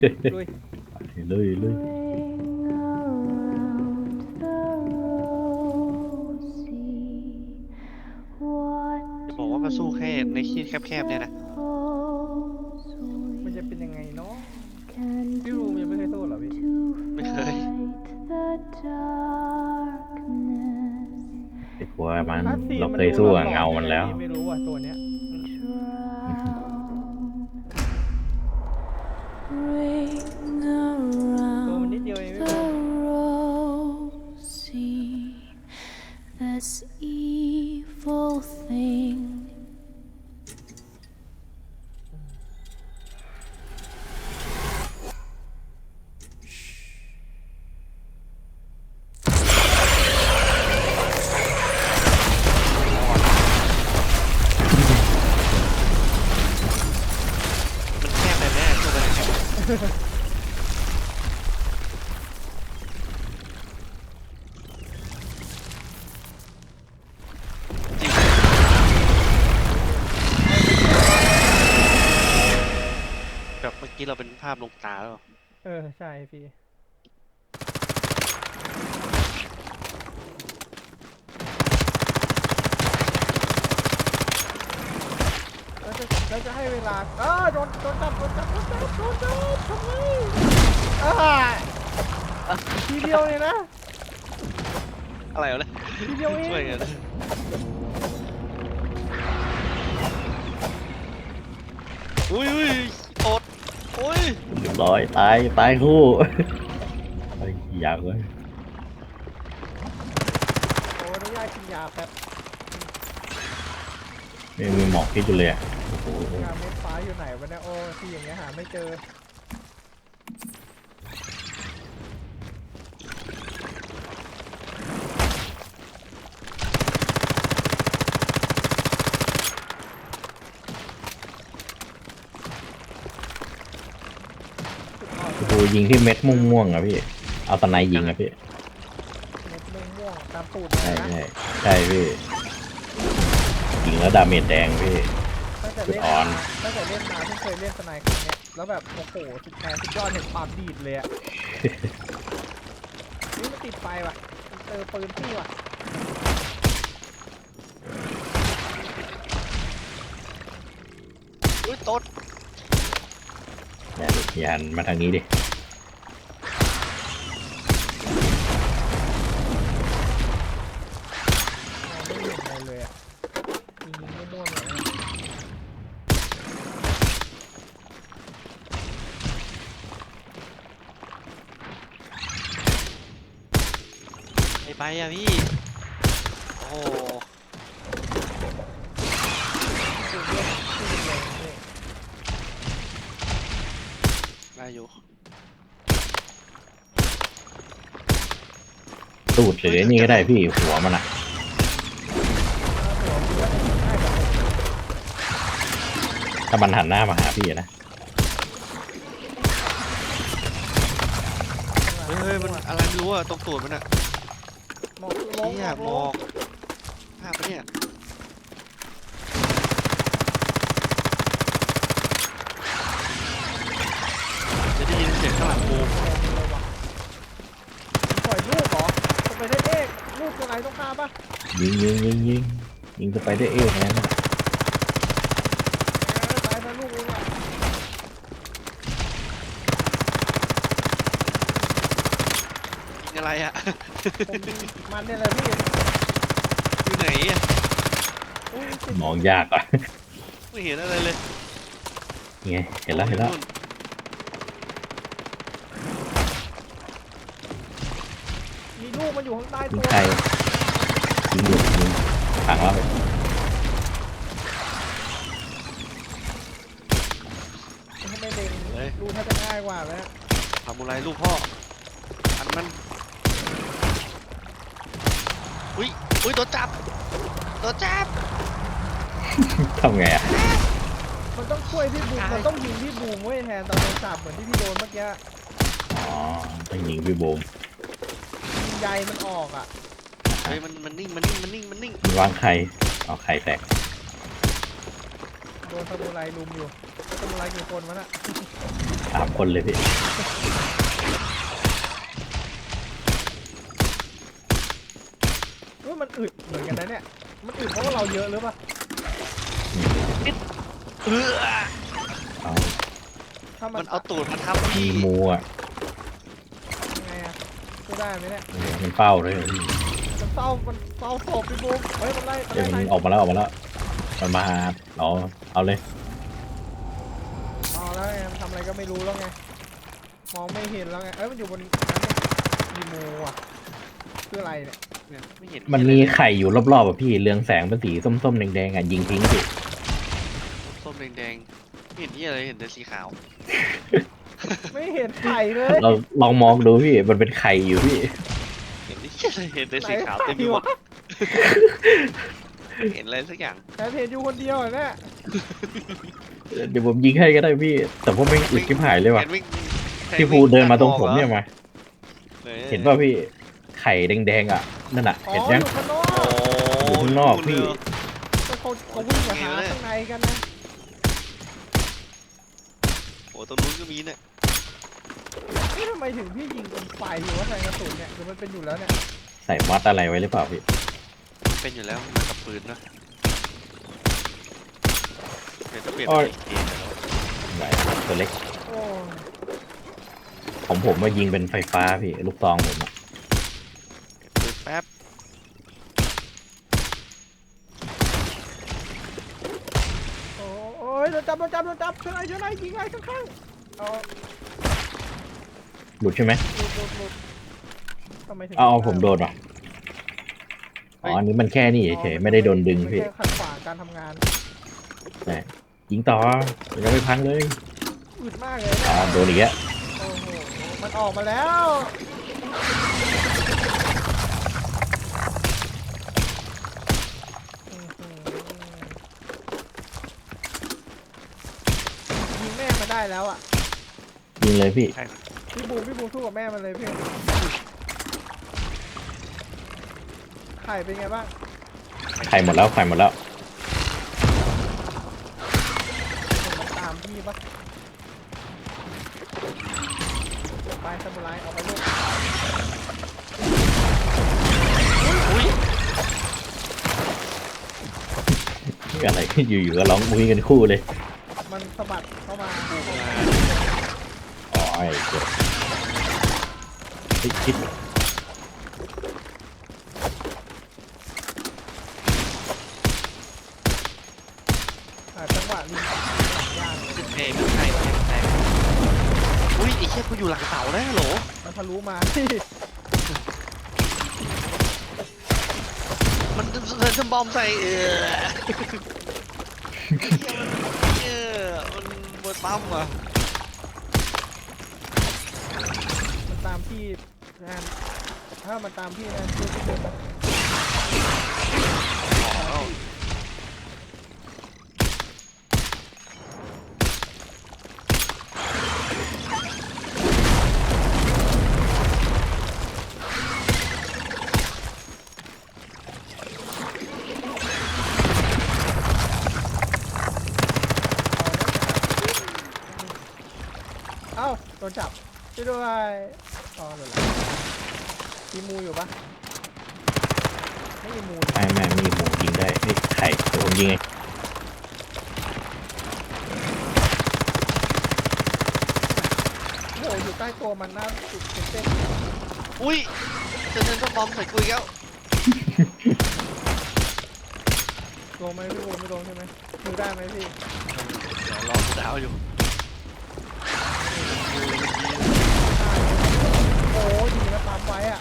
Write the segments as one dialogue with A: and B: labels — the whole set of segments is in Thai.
A: ลุย
B: เลยเลย
C: จะบอกว่ามาสู้แค่ในที่แคบๆเนี่ยนะ
A: มันจะเป็นยังไงเนาะพี่รูมยังไม่เคยโทษเหรอพี่
C: ไม่เคย
B: แต่กลัวมัน
A: คัสซีน
B: เรา
A: มัน
B: เคย
A: ดู
B: สู้
A: หล
B: กับ
A: อนๆ
B: เงามันแล้ว
A: ยังไงพี่ไม่รู้ว่ะตัวเนี้ย ตัวมันนิดเดียวเองไม่เป็น
D: This evil thing.
C: มันแคบแบบนี้สู้กันแคบจริงแบบเมื่อกี้เราเป็นภาพลงตาแล้ว
A: ใช่พี่แล้วจะให้เวลาโดนจับทำไมทีเดียวเนี่ยนะ
C: อะไรวะเนี่ย
A: ทีเดียวเอง
C: ช่วยกันนะอุ้ยโอดโอ้ย
B: เรียบร้อยตายคู่ไอ้อยากเลย
A: โอ้อนุญาตกินยาแป๊บ
B: ไม่มีหมอกพิษอยู่เลยอะโอ้โห
A: ยาเม็ดฟ้าอยู่ไหนวะเนี่ยโอ้ที่อย่างเงี้ยหาไม่เจอ
B: โอ้โหยิงที่เม็ดม่วงๆอะพี่เอาตะไนยิงอะพี่
A: เม็ดม่วงๆตามตูด
B: ใช่
A: เลยนะ
B: ใช่พี่ยิงแล้วดาเมจแดงพี่
A: ตั้งแต่เล่น
B: อ่อ
A: มาน ตั้งแต่เล่นมาเพิ่งเคยเล่นสไนค์ครั้งเนี้ยแล้วแบบโอ้โหสุดยอดเห็นความดีดเลยอะ นี่มันติดไฟว่ะมันเจอปืนพี่ว่ะ
C: อุ้ยโต๊ด
B: อย่าหันมาทางนี้ดิ
A: ไม่เห็นอะไรเลยอะยิงมั่วๆเลยนะ
C: ไปอะพี่โอ้โห
A: ปืนเล่นปืนเลยนี่
C: ได้อยู่
B: ตูดหรือนี่ก็ได้พี่หัวมันอะ
A: หัวปืนง่ายกว่าผม
B: ถ้ามันหันหน้ามาหาพี่อะนะ
C: เฮ้ยมันอะไรไม่รู้อะตรงตูดมันอะ
A: หมอกลง
C: เนี่ยหมอกภาพปะเนี่ยจะได้ยินเสียงข้างหลังกู
A: ปล่อยลูกเหรอจะไปได้เอกลูกตัวไหนต้องฆ่าปะ
B: ยิงจะไปได้เอ๊ะแค่นั้นอะ
A: ตายนะลูกเองอ่ะ
C: ยิงอะไรอะ
A: มันเนี่ยแหละพี่
C: อยู่ไหนอะ
A: อุ้ย
B: มองยากอ่ะ
C: ไม่เห็นอะไรเลย
B: ไงเห็นแล้ว
C: นู่น
A: มีลูกมันอยู่ข้างใต้
B: ยิ
A: ตั
B: ง
A: ว
B: ใครยิงถังแล้ว
A: ทำไมเล็งลูกถ้าจะง่ายกว่าแล้ว
C: ทำอะไรลูกพ่ออันมันอุ้ยโดนจับ
B: ทำไงอ่ะ
A: มันต้องช่วยพี่บูมมันต้องยิงพี่บูมไว้แทนตอนโดนจับเหมือนที่พี่โดนเมื่อกี้
B: อ๋อต้องยิงพี่โบม
A: ยิงใยมันออกอ่ะ
C: เฮ้ยมันนิ่ง
B: มันวางไข่เอาไข่แตก
A: โดนซามูไรลุมอยู่ซามูไรกี่คนวะน่ะ
B: 3 คนเลยพี่
A: มันอึดเหมือนกันนะเนี่ยมันอึดเพราะว่าเราเยอะหรือเปล่า
C: เออ
B: เอา
A: ถ้ามั
C: มัน นเอาตูดมาทับ
B: มี
C: พี่
B: มูอ่ะ
A: ยังไงอะช่วยได้ไหมเนี่ย
B: มันเฝ้าเลยพี่
A: มันเศร้าศพพี่บูมเฮ้ยมันไล่
B: เดี๋ยวมัน
A: ใคร
B: ออกมาแล้วมันมาหาเอาเลย
A: เอาแล้วไงมันทำอะไรก็ไม่รู้แล้วไงมองไม่เห็นแล้วไงเอ้ยมันอยู่บนนั้นมีโมอ่ะคืออะไรเนี่ย
C: เนี่ยไม่เห็น
B: มันมีไข่อยู่รอบๆอ่ะพี่เรืองแสงเป็นสีส้มๆแดงๆอ่ะยิงทิ้งพี่
C: ส้มแดงๆไม่เห็นที่อะไรเห็นแต่สีขาว
A: ไม่เห็นไข่เลย
B: เราลองมองดูพี่มันเป็นไข่อยู่พี่
C: เห็นที่อะไรเห็นแต่สีขาวเต็มไปหมดเห็นอะไรสักอย่าง
A: แต่เห็นอยู่คนเดียวอะเนี่ย
B: เดี๋ยวผมยิงให้ก็ได้พี่ แต่พวกไม่งอึดชิบหายเลยว่ะ
C: เห็นวิ่ง
B: พี่ภูเดินมาตรงผมเนี่ยมา
C: ออ
B: เห็นป่ะพี่ไข่แดงๆอ่ะนั่นอ่ะ
A: อ๋อ
B: เห็น
A: อ
B: ยัง
A: ยู่ข้างนอก
C: โอ้
B: อยู่ข้างนอกพี่
A: แต่เขาวิ่งมาหาข้างในกันนะ
C: โอ้ตรงนู้นก็มีเนี่ย
A: เฮ้ยทำไมถึงพี่ยิงเป็นไฟอยู่ว่าใส่กระสุนเนี่ยหรือมันเป็นอยู่แล้วเนี่ย
B: ใส่มอสอะไรไว้หรือเปล่าพี่
C: เป็นอยู่แล้วมันกับปืนนะเดี๋ยวจะเปลี่ยน
B: อ้อย
C: เป็นเกมแล้ว
B: ไหวตัวเล็ก
A: โอ้
B: ของผมมายิงเป็นไฟฟ้าพี่ลูกซองผมอ่ะ
C: ปืนแป๊บ
A: โอ้ยโดนจับช่วยหน่อยยิงไงข้างๆเอา
B: หลุดใช่ไหม
A: หลุดทำไมถึง
B: เอาผมโดนว่ะอ๋ออันนี้มันแค่นี้เฉยๆไม่ได้โดนดึงพี่
A: ไม่ใช่ขัดขวางการทำงาน
B: ยิงต่อยังไม่พังเลย
A: อึดมากเลย
B: อ๋อ
A: เนี่ย
B: โดนอีกแล้ว
A: โอ้โหมันออกมาแล้วอื้อหือยิงแม่มาได้แล้วอ่ะ
B: ยิงเลยพี่
C: ใช่ครับ
A: พี่บูมสู้กับแม่มันเลยพี่ไข่เป็นไงบ้าง
B: ไข่หมดแล้ว
A: เห็นมันตามพี่ปะไปซามูไรออกไปลูก
C: อุ้ย
B: นี่อะไร อยู่ๆก็ร้องมุ้ยกันคู่เลย
A: มันสะบัดเข้ามา
B: อ๋อไอ้เจ็บเฮ้ยคิด
A: จังหวะลิงยาก
C: เอ้ยไม่ใช่อุ้ยไอ้เชี่ยกูอยู่หลังเสาแล้วฮัลโหล
A: มันทะลุมาที่
C: มันจะบอมใส่มันเบิดปั๊มว่ะ
A: มันตามพี่แทนถ้ามันตามพี่นะช่วยพี่เดินไป
C: อ๋อ
A: เอ้าโดนจับช่วยด้วยอ๋อหลุดละมีมูอยู่ปะไม่มีมู
B: ไม่มีหมูยิงได้เฮ้ยไข่เดี๋ยวผมยิงไง
A: โอ้โหอยู่ใต้ตัวมันน่าจุดเต้น
C: อุ้ยจะบอมใส่กูอีกแล้ว
A: โดนไหมพี่โดนไม่โดนใช่ไหมดูได้ไหมพี่
C: เดี๋ยวรอดาวอยู่
A: โอ้ยดีนะปั๊มไว้อะ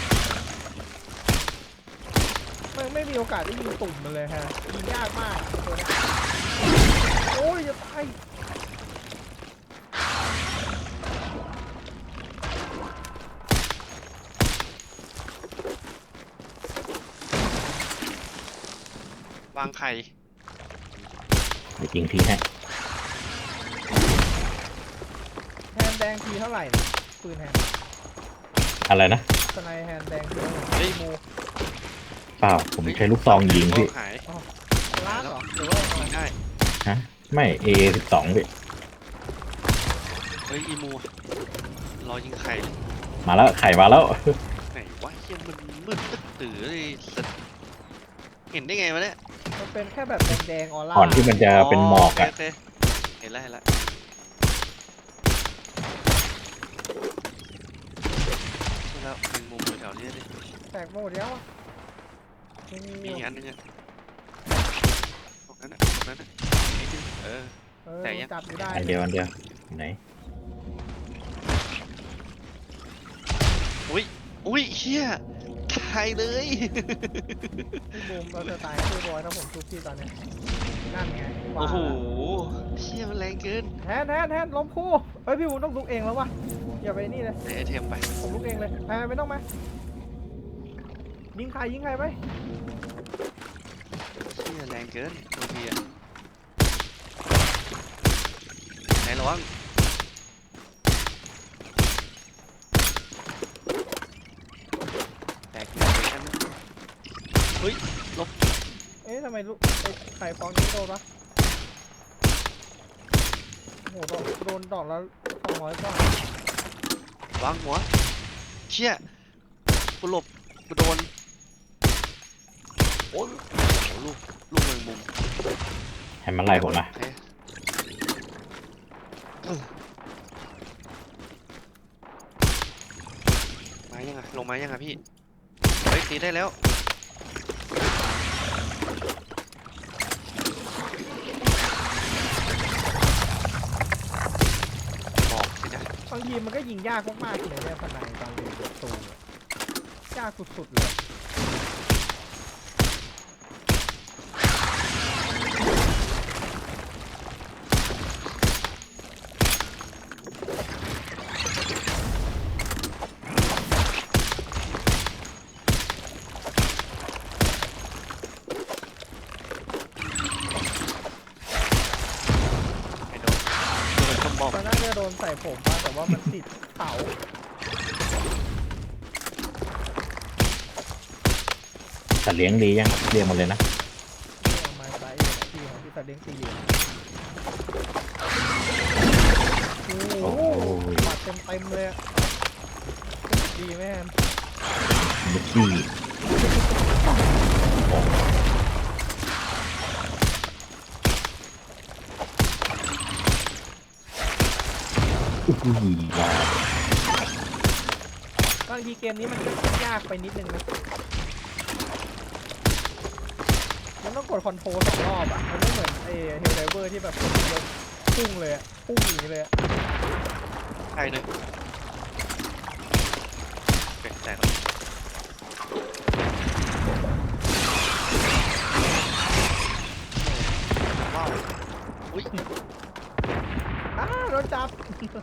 A: ไม่มีโอกาสได้ยิงตุ่มมันเลยฮะยิงยากมากตัวเนี้ยโอ้ยจะตาย
C: วางไข่
B: เดี๋ยวยิงทีให้
A: แฮนด์แดงทีเท่าไหร่เนี่ยปืนแฮนด์
B: อะไรนะ
A: สไนแฮนด์แดงทีเท่าไหร่มู
B: เปล่าผมใช้ลูกซองยิงพี่
C: หาย
A: ลากเหรอหรือว่าอะไร
C: ได้
B: ฮะไม่ A12 พี่
C: เฮ้ยอีมูรอยิงไข่เลย
B: มาแล้วไข่มาแล้ว
C: ไหนวะเฮียมันมืดตึ๊ดตื้อเลยสัตว์เห็นได้ไงวะเนี่ย
A: มันเป็นแค่แบบแดงๆออร่า
B: ก่อนที่มันจะเป็นหมอกอะ
C: โเคเห็นแล้วเห็นแล้วแล้วเป็นมุมแถวๆนี้ดิ
A: แตกหมดแล้วอะยังมี
C: มี
A: อยู่
C: อีกอันนึงอะตรงนั้นอะตรงนั้นอะนิดนึง
A: เออ
C: แตกยัง
A: จับอยู่ได้
B: อันเดียวอันเดียวอยู่ไหน
C: อุ้ยเฮียตายเลย
A: พี่บูมเราจะตายคือบอยถ้าผมชุบพี่ตอนเนี้ยนั่นไงว่า
C: โอ้โห
A: แล้ว
C: เชี่ยมันแรงเกิน
A: แทนล้มคู่เฮ้ยพี่บูมต้องลุกเองแล้ววะอย่าไปนี่เลย
C: ใส่ไอเทมไป
A: ผมลุกเองเลยไม่ต้องมายิงใครไป
C: เชี่ยแรงเกินบางทีอะไหนระวังแตกอยู่ในอันนั้นเฮ้ยลบ
A: เอ๊ะทำไมลูกไข่ฟองนี้โดนวะโอ้โหโดนดอกแล้ว200กว่าว
C: างหัวเชี่ยกูหลบกูโดนโอ้ยโอ้ลูกแมงมุม
B: ให้มันไล่ผมนะ
C: โอเคมายังไงลงมายังไงพี่เฮ้ยตีได้แล้วบอกสินะ
A: บางทีมันก็ยิงยากมากๆเลยเนี่ยพนันตอนเรียนประตูอะยากสุดๆเลย
C: ไม่โดนคำบอก
A: ตอนนั้นจะโดนใส่ผมมาแต่ว่ามันติดเสา
B: สัตว์เลี้ยงดียังเรียกมาเลยนะ
A: เนี่ยเอามาใส่อยู่ที่ของพี่ตาเด้งตีอยู่โอ้โหบาดเต็มเลยอะดีแม่น
B: บุกกี้อุ้ยว้าว
A: บางทีเกมนี้มันก็ยากไปนิดนึงนะมันต้องกดคอนโทรล2 รอบอ่ะมันไม่เหมือนเฮลไดเวอร์ที่แบบกดทีเดียวพุ่งเลยอะพุ่งอย่างนี้เลยอะ
C: ใครหนึ่งเก่งใจแล้วว้าวอุ้ย
A: โดนจับ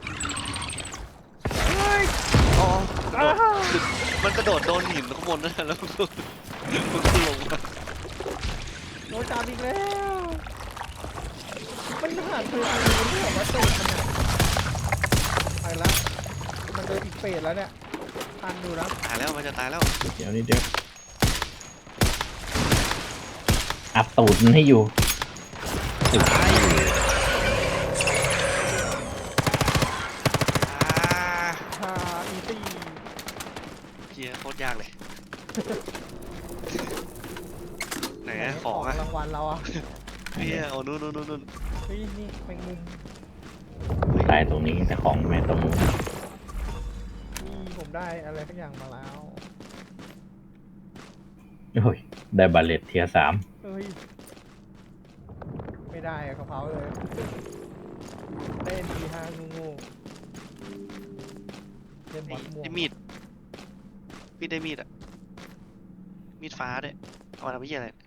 A: เฮ้ย
C: อ๋อกระโดดมันกระโดดโดนหินข้างบนนั่นแหละแล้วมันก็ลงมา
A: โดนจับอีกแล้วมันผ่านคือมันไม่แบบว่าตูดมันอะไปละมันเดินอีกเฟสแล้วเนี่ยทันอยู่นะ
C: ตายแล้วมันจะตายแล้ว
B: เดี๋ยวนี้เดี๋ยวอัดตูดมันให้อยู่ตูด
C: ตายอ่า
A: อีซี่
C: เกียร์โคตรยากเลย ไหนอะของอะ
A: รางวัลเราอะ
C: เฮียเอานู่น
A: เฮ้ยนี่แมงมุม
B: ตายตรงนี้แต่ของไม่ตรงนู้น
A: นี่ผมได้อะไรสักอย่างมาแล้ว
B: โอ้ยได้บาเลตเทียร์ 3
A: เฮ้ยไม่ได้อะกระเพราเลยได้ NP5 งูเล่นบอสม่วง
C: ได้มีดพี่ได้มีดอะมีดฟ้าด้วยเอามาทำเฮียอะไร